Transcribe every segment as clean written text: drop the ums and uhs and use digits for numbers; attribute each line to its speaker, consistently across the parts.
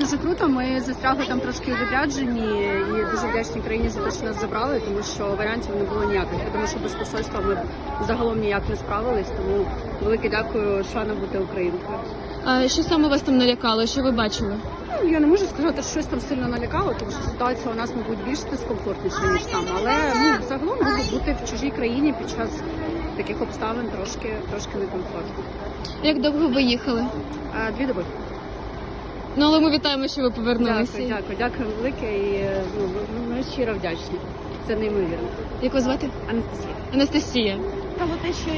Speaker 1: дуже круто. Ми застрягли там трошки у відрядженні і дуже вдячні країні за те, що нас забрали, тому що варіантів не було ніяких. Тому що без посольства ми б загалом ніяк не справились. Тому велике дякую, шана бути українкою.
Speaker 2: А що саме вас там налякало? Що ви бачили?
Speaker 1: Ну, я не можу сказати, що щось там сильно налякало, тому що ситуація у нас, мабуть, більш дискомфортніша, ніж там. Але загалом бути в чужій країні під час таких обставин трошки некомфортно.
Speaker 2: Як довго ви їхали?
Speaker 1: 2 доби.
Speaker 2: Ну, але ми вітаємо, що ви повернулися.
Speaker 1: Дякую велике і ми щиро вдячні. Це неймовірно.
Speaker 2: Як вас звати?
Speaker 1: Анастасія.
Speaker 2: Анастасія.
Speaker 3: Про те, що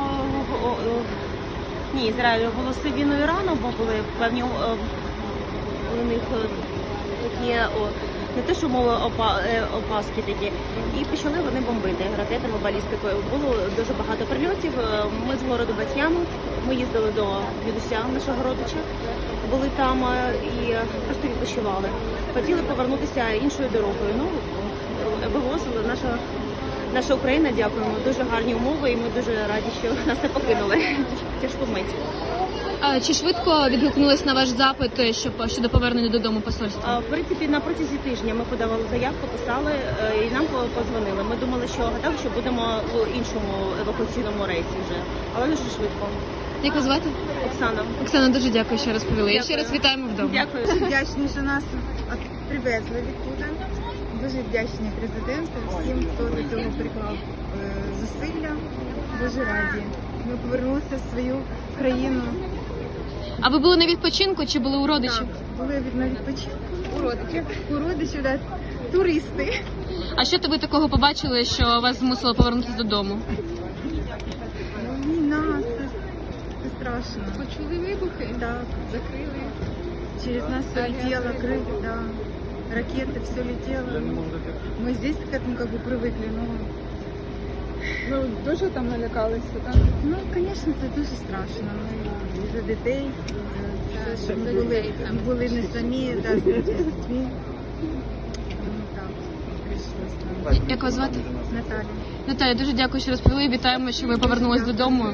Speaker 3: Ізраїль оголосив війну Ірану, бо були певні у них такі не те, що мови опаски такі, і почали вони бомбити ракетами, балістикою. Було дуже багато прильотів. Ми з городу Бат'яну, ми їздили до дідуся нашого родича, були там і просто відпочивали. Хотіли повернутися іншою дорогою. Ну, вивозили наша Україна, дякуємо. Дуже гарні умови і ми дуже раді, що нас не покинули. Тяжку мить.
Speaker 2: А чи швидко відгукнулись на ваш запит щодо повернення додому посольства?
Speaker 3: В принципі, на протязі тижня ми подавали заявку, писали і нам подзвонили. Ми думали, гадали, що будемо в іншому евакуаційному рейсі вже, але дуже швидко.
Speaker 2: Як вас звати?
Speaker 3: Оксана.
Speaker 2: Оксана, дуже дякую, що розповіли. І
Speaker 3: Дякую.
Speaker 2: ще раз вітаємо вдома.
Speaker 3: Дякую.
Speaker 4: Дуже вдячні, що нас привезли відтуда. Дуже вдячні президенту, всім, хто до цього приклав зусилля. Дуже раді. Ми повернулися в свою країну.
Speaker 2: А ви були на відпочинку чи були у родичів?
Speaker 4: Так, були на відпочинку у родичів, да, туристи.
Speaker 2: А що ви такого побачили, що вас змусило повернутися додому?
Speaker 4: Війна, це страшно.
Speaker 1: Почули вибухи?
Speaker 4: Так,
Speaker 1: Закрили.
Speaker 4: через нас все летело, крылья, да. Ракеты, все летело. Мы здесь к этому как бы привыкли, но...
Speaker 1: Ну, дуже там налякалися, так?
Speaker 4: Ну, звісно, це дуже страшно. Ми і за дітей, і за все, що ми були не самі, да, з дітьми. Ну, так, прийшлося нам.
Speaker 2: Як вас звати?
Speaker 4: Наталя.
Speaker 2: Наталя, дуже дякую, що розповіли. Вітаємо, що ви повернулись додому.